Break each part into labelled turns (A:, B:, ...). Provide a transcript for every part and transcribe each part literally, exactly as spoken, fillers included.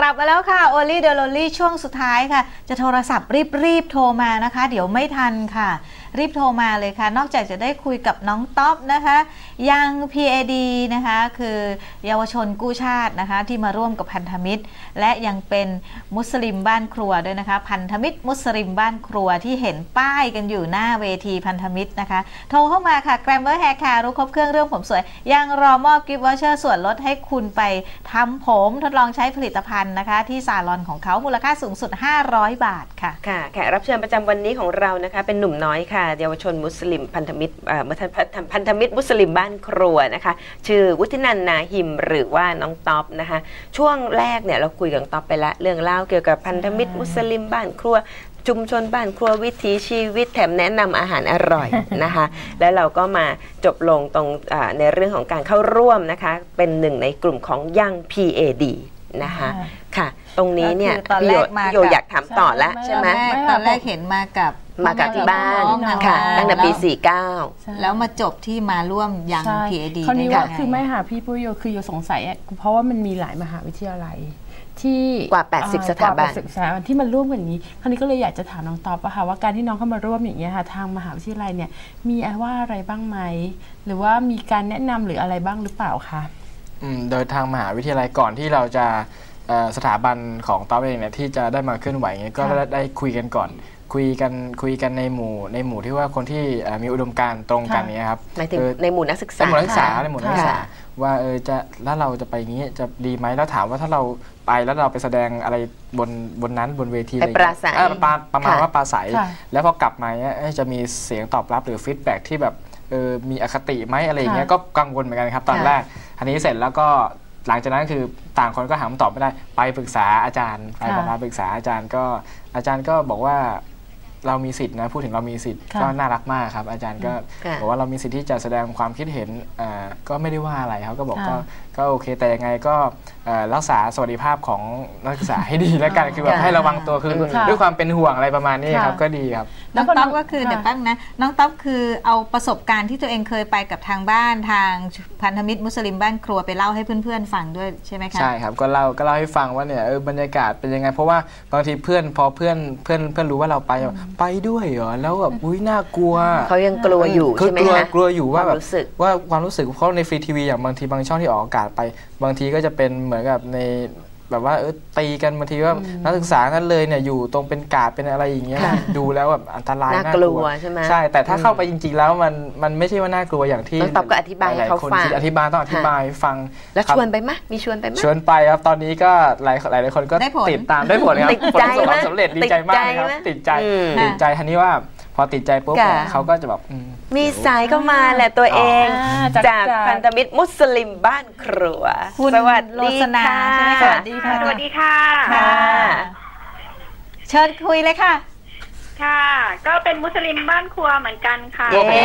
A: ลับมาแล้วค่ะโอลี่เดลลี่ช่วงสุดท้ายค่ะจะโทรศัพท์รีบๆโทรมานะคะเดี๋ยวไม่ทันค่ะรีบโทรมาเลยค่ะนอกจากจะได้คุยกับน้องต๊อบนะคะยัง พี เอ ดี นะคะคือเยาวชนกู้ชาตินะคะที่มาร่วมกับพันธมิตรและยังเป็นมุสลิมบ้านครัวด้วยนะคะพันธมิตรมุสลิมบ้านครัวที่เห็นป้ายกันอยู่หน้าเวทีพันธมิตรนะคะโทรเข้ามาค่ะ Glamour Hair Care รู้ครบเครื่องเรื่องผมสวยยังรอมอบกิฟต์วอเชอร์ส่วนลดให้คุณไปทำผมทดลองใช้ผลิตภัณฑ์นะคะที่ซาลอนของเขามูลค่าสูงสุดห้าร้อยบาทค่ะ
B: ค่ะแขกรับเชิญประจำวันนี้ของเรานะคะเป็นหนุ่มน้อยค่ะเยาวชนมุสลิมพันธมิตรพันธมิตรมุสลิมบ้านครัวนะคะชื่อวุฒินันท์นาหิมหรือว่าน้องต๊อบนะคะช่วงแรกเนี่ยเราคุยกับต๊อบไปละเรื่องเล่าเกี่ยวกับพันธมิตรมุสลิมบ้านครัวชุมชนบ้านครัววิถีชีวิตแถมแนะนำอาหารอร่อยนะคะแล้วเราก็มาจบลงตรงในเรื่องของการเข้าร่วมนะคะเป็นหนึ่งในกลุ่มของยัง พี เอ ดี นะคะค่ะตรงนี้เนี่ยพี่โยอยากถามต่อแล้วใช่ไหม
A: ตอนแรกเห็นมากับ
B: มากับที่บ้านค่ะตั้งแต่ปีสี่สิบเก้า
A: แล้วมาจบที่มาร่วมยัง พี เอ ดี
C: คราวนี้ว่าคือไม่ค่ะพี่ปุ้ยโยคือโยสงสัยเพราะว่ามันมีหลายมหาวิทยาลัยที่
B: กว่าแปดสิบสถาบัน
C: ที่มันร่วมกันนี้คราวนี้ก็เลยอยากจะถามน้องต๊อบค่ะว่าการที่น้องเข้ามาร่วมอย่างเงี้ยค่ะทางมหาวิทยาลัยเนี่ยมีว่าอะไรบ้างไหมหรือว่ามีการแนะนำหรืออะไรบ้างหรือเปล่าคะ
D: โดยทางมหาวิทยาลัยก่อนที่เราจะสถาบันของต๊อบเองเนี่ยที่จะได้มาเคลื่อนไหวเงี้ยก็ได้คุยกันก่อนคุยกันคุยกันในหมู่ในหมู่ที่ว่าคนที่มีอุดมการณ์ตรงกันนี้ครับ
B: ในหมู่นักศึกษา
D: ในหมู่นักศึกษาในหมู่นักศึกษาว่าเออจะแล้วเราจะไปงี้จะดีไหมแล้วถามว่าถ้าเราไปแล้วเราไปแสดงอะไรบนบนนั้นบนเวทีอะไร
B: ปราศัย
D: ประมาณว่าปราศัยแล้วพอกลับมาเนี่ยจะมีเสียงตอบรับหรือฟีดแบ็กที่แบบเออมีอคติไหมอะไรอย่างเงี้ยก็กังวลเหมือนกันครับตอนแรกอันนี้เสร็จแล้วก็หลังจากนั้นคือต่างคนก็หาคำตอบไม่ได้ไปปรึกษาอาจารย์ไปประมาณปรึกษาอาจารย์ก็อาจารย์ก็บอกว่าเรามีสิทธินะพูดถึงเรามีสิทธิ์ก็น่ารักมากครับอาจารย์ก็บอกว่าเรามีสิทธิ์ที่จะแสดงความคิดเห็นก็ไม่ได้ว่าอะไรเขาก็บอกก็ก็โอเคแต่ยังไงก็รักษาสวัสดิภาพของนักศึกษาให้ดีแล้วกันคือแบบให้ระวังตัวคือด้วยความเป็นห่วงอะไรประมาณนี้ครับก็ดีครับ
A: น้องต๊อบก็คือเดี๋ยวแป๊บนะน้องต๊อบคือเอาประสบการณ์ที่ตัวเองเคยไปกับทางบ้านทางพันธมิตรมุสลิมบ้านครัวไปเล่าให้เพื่อนๆฟังด้วยใช่ไหมคะ
D: ใช่ครับก็เล่าก็เล่าให้ฟังว่าเนี่ยเออบรรยากาศเป็นยังไงเพราะว่าบางทีเพื่อนพอเพื่อนเพื่อนเพื่อนรู้ว่าเราไปไปด้วยเหรอแล้วแบบอุ้ยน่ากลัว
B: เขายังกลัวอยู่ใช่ไหมคะ
D: กลัวอยู่ว่าแบบว่าความรู้สึกเพราะในฟรีทีวีอย่างบางทีบางช่องที่ออกอากาศไปบางทีก็จะเป็นเหมือนกับในแบบว่าเออตีกันบางทีว่านักศึกษากันเลยเนี่ยอยู่ตรงเป็นกาดเป็นอะไรอย่างเงี้ยดูแล้วแบบอันตราย
B: น่ากลัวใช่ไหม
D: ใช่แต่ถ้าเข้าไปจริงๆแล้วมันมันไม่ใช่ว่าน่ากลัวอย่างที่
B: ต้องตอบก็อธิบายให้เขาฟัง
D: อธิบายต้องอธิบายฟัง
B: แล้วชวนไปไหมมีชวนไปไหม
D: ชวนไปครับตอนนี้ก็หลายหลายคนก็ติดตามได้ผลครับผลประสบความสำเร็จดีใจมากครับติดใจติดใจทันนี้ว่าพอติดใจปุ๊บเขาก็จะแบบ
B: มีสายเข้ามาแหละตัวเองจากพันธมิตรมุสลิมบ้านครัว
A: สวัสดีค่ะสวัสดีค่ะ
E: สวัสดีค่ะ
A: เชิญคุยเลยค่ะ
E: ค่ะก็เป็นมุสลิมบ้านครัวเหมือนกันค่ะ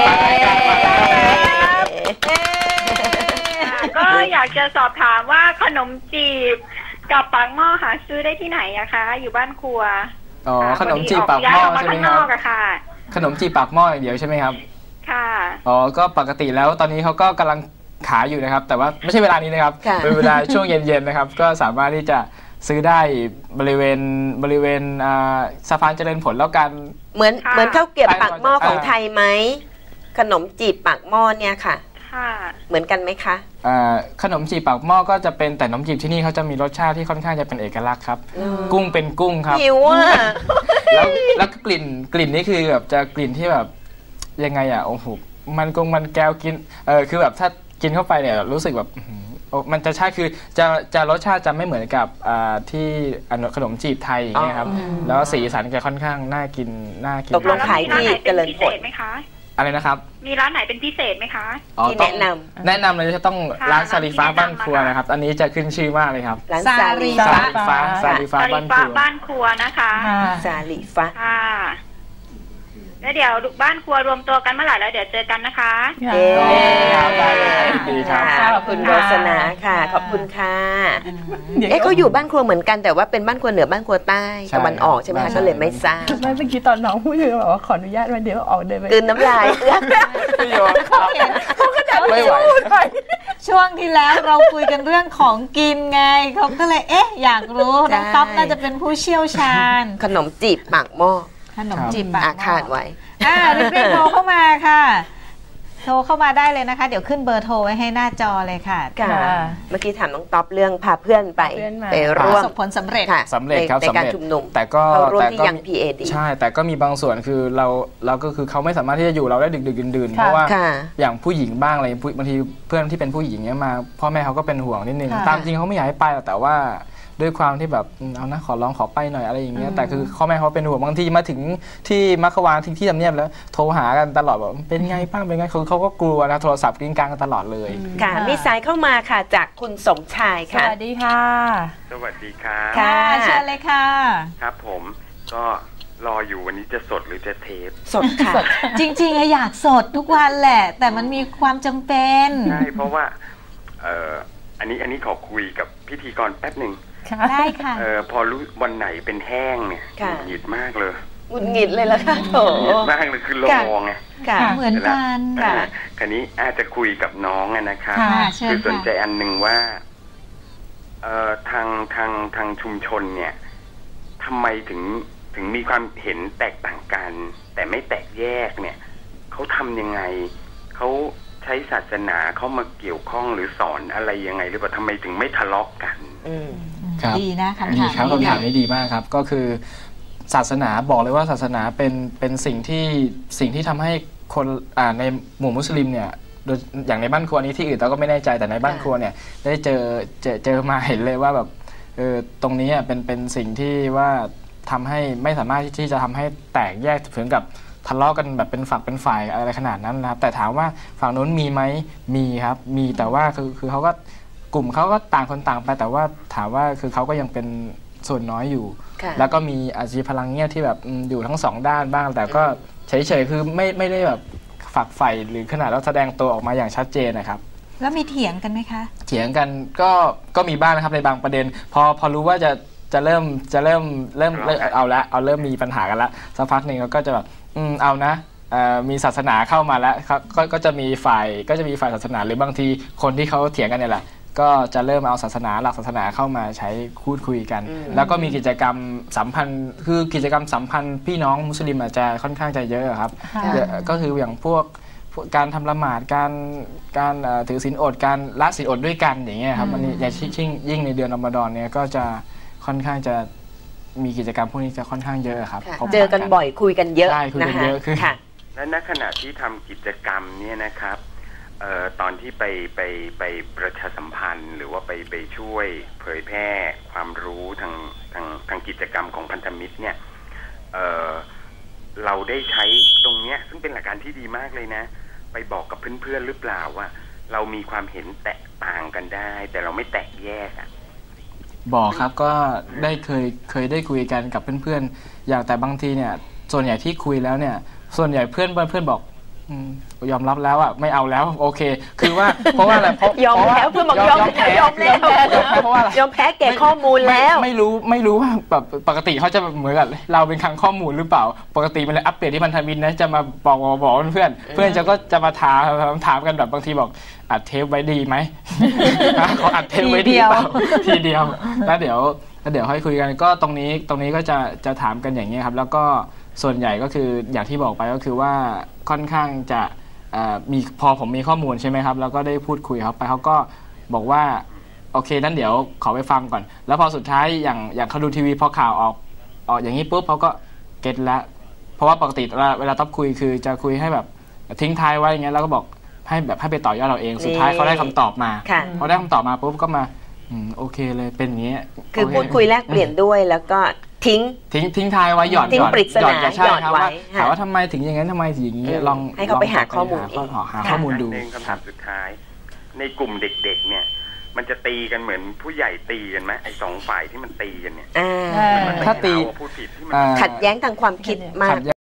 E: ก็อยากจะสอบถามว่าขนมจีบกับปากหม้อหาซื้อได้ที่ไหนอะคะอยู่บ้านครัว
D: อ๋อขนมจีบปากหม้อใช่ไหมครับขนมจีบปากหม้ออย่างเดียวใช่ไหมครับ
E: ค่ะ
D: อ๋อก็ปกติแล้วตอนนี้เขาก็กำลังขายอยู่นะครับแต่ว่าไม่ใช่เวลานี้นะครับเป็นเวลาช่วงเย็นๆนะครับก็สามารถที่จะซื้อได้บริเวณบริเวณสะพานเจริญผลแล้วกัน
B: เหมือนเหมือนข้าวเกรี๊ยวปากหม้อของไทยไหมขนมจีบปากหม้อเนี่ยค่ะเหมือนกันไหมคะ
D: ขนมจีบปากหม้อก็จะเป็นแต่ขนมจีบที่นี่เขาจะมีรสชาติที่ค่อนข้างจะเป็นเอกลักษณ์ครับกุ้งเป็นกุ้งครับ
B: หิวอ่ะ
D: แล้วแล้วกลิ่นกลิ่นนี่คือแบบจะกลิ่นที่แบบยังไงอ่ะโอ้โหมันกงมันแก้วกินเออคือแบบถ้ากินเข้าไปเนี่ยรู้สึกแบบมันจะใช่คือจะจะรสชาติจะไม่เหมือนกับที่ขนมจีบไทยอย่างเงี้ยครับแล้วสีสันจะค่อนข้างน่ากินน่ากิน
B: ตกลงขายที่เจริญผล
E: ไหมคะ
D: อะไรนะครับ
E: มีร้านไหนเป็นพิเศษไหมคะ
B: ที่แนะน
D: ำแนะนำเลยจะต้องร้านซาลีฟ้าบ้านครัวนะครับอันนี้จะขึ้นชื่อมากเลยครับ
B: ร้านซาลี
D: ฟ้าซาลีฟ้าบ้านครัว
E: บ้านครัวนะคะ
B: ซาลีฟ้า
E: แล้วเดี๋ยวบ้านครัวรวมตัวกันเมื่อไหร่แล้วเดี๋ยวเจอกันนะคะ
B: เย้ดีค่ะขอบคุณโรสนาค่ะขอบคุณค่ะเอ๊ะเขาอยู่บ้านครัวเหมือนกันแต่ว่าเป็นบ้านครัวเหนือบ้านครัวใต้ตะวันออกใช่ไหมคะก็เลยไม่ทราบ
C: ไม่เมื่อกี้ตอนน้องพูดถึงบอกว่าขออนุญาตมาเดี๋ยวออกเดินไป
B: กลืนน้ำลาย
D: ไม่ไหว
C: ช
A: ช่วงที่แล้วเราคุยกันเรื่องของกินไงเขาก็เลยเอ๊ะอยากรู้น้องต๊อบน่าจะเป็นผู้เชี่ยวชาญ
B: ขนมจีบปากหม้อ
A: ขนมจีบปากหม้อ
B: อาคาดไว้
A: อ่ารีบๆโทรเข้ามาค่ะโทรเข้ามาได้เลยนะคะเดี๋ยวขึ้นเบอร์โทรไว้ให้หน้าจอเลยค่ะ
B: ค่ะเมื่อกี้ถามน้องต๊อบเรื่องพาเพื่อนไปไป
A: ป
B: ร่ว
A: ระ
B: ม
A: สบผลสำเร็จ
B: ค่ะ
D: สำเร็จครับ
B: ใน
D: สำ
B: การ
D: เร็จ
B: ชุมนุม
D: แต่ก็
B: เข้าร่วม
D: แต่
B: ที่
D: ก็
B: ยัง พี เอ ดี
D: ใช่แต่ก็มีบางส่วนคือเราเราก็คือเขาไม่สามารถที่จะอยู่เราได้ดึกดึกดื่นดื่น
C: ค่ะ
D: เพราะว่า
B: ค่ะ
D: อย่างผู้หญิงบ้างอะไรบางทีเพื่อนที่เป็นผู้หญิงเนี้ยมาพ่อแม่เขาก็เป็นห่วงนิดนึง
C: ค่ะ
D: ตามจริงเขาไม่อยากให้ไปหรอกแต่ว่าด้วยความที่แบบอืมเอานะขอร้องขอไปหน่อยอะไรอย่างเงี้ยแต่คือพ่อแม่เขาเป็นห่วงบางทีมาถึงที่มัคควานที่ที่ทำเนียบแล้วโทรหากันตลอดแบบเป็นไงบ้างเป็นไงคือเขาก็กลัวนะโทรศัพท์กริ้งกลางกันตลอดเลย
B: ค่ะ มีสายเข้ามาค่ะจากคุณสมชาย
C: ส
B: ค่ะ
C: วัสดีค่ะ
F: สวัสดีครับ
B: ค่ะ
A: เชิญเลยค่ะ
F: ครับผมก็รออยู่วันนี้จะสดหรือจะเทป
B: สดค่ะ
A: จริงๆอะอยากสดทุกวันแหละ แต่มันมีความจำเป็น
F: ใช่เพราะว่าเอ่ออันนี้อันนี้ขอคุยกับพิธีกรแป๊บหนึ่ง
A: ได้ค่ะ
F: เอ่อพอรู้วันไหนเป็นแห้งเนี่ย
B: ค่ะ
F: หงุดหงิดมากเลย
B: หงุดหงิดเลยแล้วค่ะโถ
F: หงุดหงิดมากเลยคือรอไง
B: ค่ะ
A: เหมือนกัน
F: อ่าคันนี้อาจจะคุยกับน้องอะนะครับ
A: ค่ะเชิญ
F: คือสน
A: ค่ะ
F: ใจอันหนึ่งว่าเอ่อทางทางทางชุมชนเนี่ยทำไมถึงถึงมีความเห็นแตกต่างกัน แต่ไม่แตกแยกเนี่ยเขาทำยังไงเขาใช้ศาสนาเข้ามาเกี่ยวข้องหรือสอนอะไรยังไงหรือเปล่าทำไมถึงไม่ทะเลาะกัน
B: อืม
D: ครับ
A: ดีนะคำ
D: ดี
A: ถาม
D: ครับ
A: นี้
D: คำถามนี้ดีมากครับก็คือศาสนาบอกเลยว่าศาสนาเป็นเป็นสิ่งที่สิ่งที่ทำให้คนอ่าในหมู่มุสลิมเนี่ยโดยอย่างในบ้านครัวนี้ที่อื่นเราก็ไม่แน่ใจแต่ในบ้านครัวเนี่ยได้เจอเจอเจอมาเห็นเลยว่าแบบเออตรงนี้อ่ะเป็นเป็นสิ่งที่ว่าทำให้ไม่สามารถที่จะทำให้แตกแยกถึงกับทะเลาะกันแบบเป็นฝักเป็นฝ่ายอะไรขนาดนั้นนะครับแต่ถามว่าฝั่งนู้นมีไหมมีครับมีแต่ว่าคือคือเขาก็กลุ่มเขาก็ต่างคนต่างไปแต่ว่าถามว่าคือเขาก็ยังเป็นส่วนน้อยอยู่
B: ค่ะ
D: แล้วก็มีอาชีพพลังเงียบที่แบบอืมอยู่ทั้งสองด้านบ้าง แต่ก็เฉยๆคือไม่ไม่ได้แบบฝักใฝ่หรือขนาดเราแสดงตัวออกมาอย่างชัดเจนนะครับ
A: แล้วมีเถียงกันไหมคะ
D: เถียงกันก็ก็มีบ้างนะครับในบางประเด็น พอพอรู้ว่าจะจะเริ่มจะเริ่มเริ่มเริ่มเอาละเอาเริ่มมีปัญหากันละสักพักหนึ่งเราก็จะแบบอืมเอานะเอ่อมีศาสนาเข้ามาแล้วครับก็ก็จะมีฝ่ายก็จะมีฝ่ายศาสนาหรือบางทีคนที่เขาเถียงกันเนี่ยแหละก็จะเริ่มเอาศาสนาหลักศาสนาเข้ามาใช้พูดคุยกัน
B: อืม
D: แล้วก็มีกิจกรรมสัมพันธ์คือกิจกรรมสัมพันธ์พี่น้องมุสลิมอาจจะค่อนข้างจะเยอะครับ
C: ค่ะ
D: เยอะก็คืออย่างพวกพวกการทำละหมาดการการเอ่อถือศีลอดการละศีลอดด้วยกันอย่างเงี้ยครับมันอย่างยิ่งยิ่งในเดือนรอมฎอนเนี่ยก็จะค่อนข้างจะมีกิจกรรมพวกนี้จะค่อนข้างเยอะครับ
B: ค่ะ
D: พบปะ
B: เจอกันบ่อยคุยกันเยอะ
D: ใช่คุยกัน
B: นะคะ
D: เยอะขึ้น
B: ค่ะ
F: และณขณะที่ทำกิจกรรมเนี่ยนะครับเอ่อตอนที่ไปไปไปประชาสัมพันธ์ หรือว่าไปไปช่วยเผยแพร่ความรู้ทางทางทางกิจกรรมของพันธมิตรเนี่ยเอ่อเราได้ใช้ตรงเนี้ยซึ่งเป็นหลักการที่ดีมากเลยนะ ไปบอกกับเพื่อนๆหรือเปล่าว่า เรามีความเห็นแตกต่างกันได้ แต่เราไม่แตกแยกอ่ะ
D: บอกครับก็ได้เคยเคยได้คุยกันกับเพื่อนๆอย่างแต่บางทีเนี่ยส่วนใหญ่ที่คุยแล้วเนี่ยส่วนใหญ่เพื่อนเพื่อนบอกอืมยอมรับแล้วอ่ะไม่เอาแล้วโอเค คือว่าเพราะว่าอะไรเพราะ
B: ยอม
D: เพราะว่า
B: แล้วเพื่อนบอกยอมแล้วยอมแล้ว
D: ยอมแพ้เพราะว่าอะไร
B: ยอมแพ้แก่ข้อมูลแล้ว
D: ไม่ไม่รู้ไม่รู้ว่าแบบปกติเขาจะเหมือนกับเราเป็นคลังข้อมูลหรือเปล่า ปกติมันเลยอัปเดตที่พันธมิตรนะจะมาบอกบอกบอกเพื่อนเพื่อนจะก็จะมาถามถามกันแบบบางทีบอกอัดเทปไว้ดีไหม เขาอัดเทปไว้ดีเปล่าทีเดียวแล้วเดี๋ยวแล้วเดี๋ยวค่อยคุยกันก็ตรงนี้ตรงนี้ก็จะจะถามกันอย่างนี้ครับแล้วก็ส่วนใหญ่ก็คืออย่างที่บอกไปก็คือว่าค่อนข้างจะเอ่อมีพอผมมีข้อมูลใช่ไหมครับแล้วก็ได้พูดคุยเขาไปเขาก็บอกว่าโอเคนั้นเดี๋ยวขอไปฟังก่อน แล้วพอสุดท้ายอย่างอย่างเขาดูทีวีพอข่าวออกออกอย่างนี้ปุ๊บเขาก็เก็ตแล้วเพราะว่าปกติเวลาเวลาต๊อบคุยคือจะคุยให้แบบทิ้งท้ายไว้อย่างเงี้ยแล้วก็บอกให้แบบให้ไปต่อยอดเราเองสุดท้ายเขาได้คำตอบมา
B: ค่ะ
D: พอได้คำตอบมาปุ๊บก็มาอืมโอเคเลยเป็นอย่างเงี้ย
B: คือ
D: โเ
B: พูดคุยแลกเปลี่ยนด้วยแล้วก็ทิ้ง
D: ทิ้งทิ้งท้ายไว้หย่อน
B: ทิ้ง
D: หย่อน
B: ปริศนา
D: หย่อนใช่
B: หย่อน
D: ครับ
B: ไว้
D: ว่า
B: ค่ะ
D: ถามว่าทำไมถึงอย่างนั้นทำไมถึงอย่างนี้
B: อืม
D: ลอง
B: ให้เขาไปหาข้อมูล
D: หา
B: เอง
D: ข้อหา
B: ค่ะ
D: ข้อมูลดู
F: หนึ่งคำ
D: ครั
F: ถา
D: บ
F: มสุดท้าย ในกลุ่มเด็กๆเนี่ยมันจะตีกันเหมือนผู้ใหญ่ตีกันไหมไอ้สองฝ่ายที่มันตีกันเนี่ย
B: อ่า
A: เออ
F: มันไม่
D: ถ้าตี
F: เอพูดผิดที่มัน
D: อ่า
B: ขัดแย้งทางความคิดมาก
D: ขัดแย้ง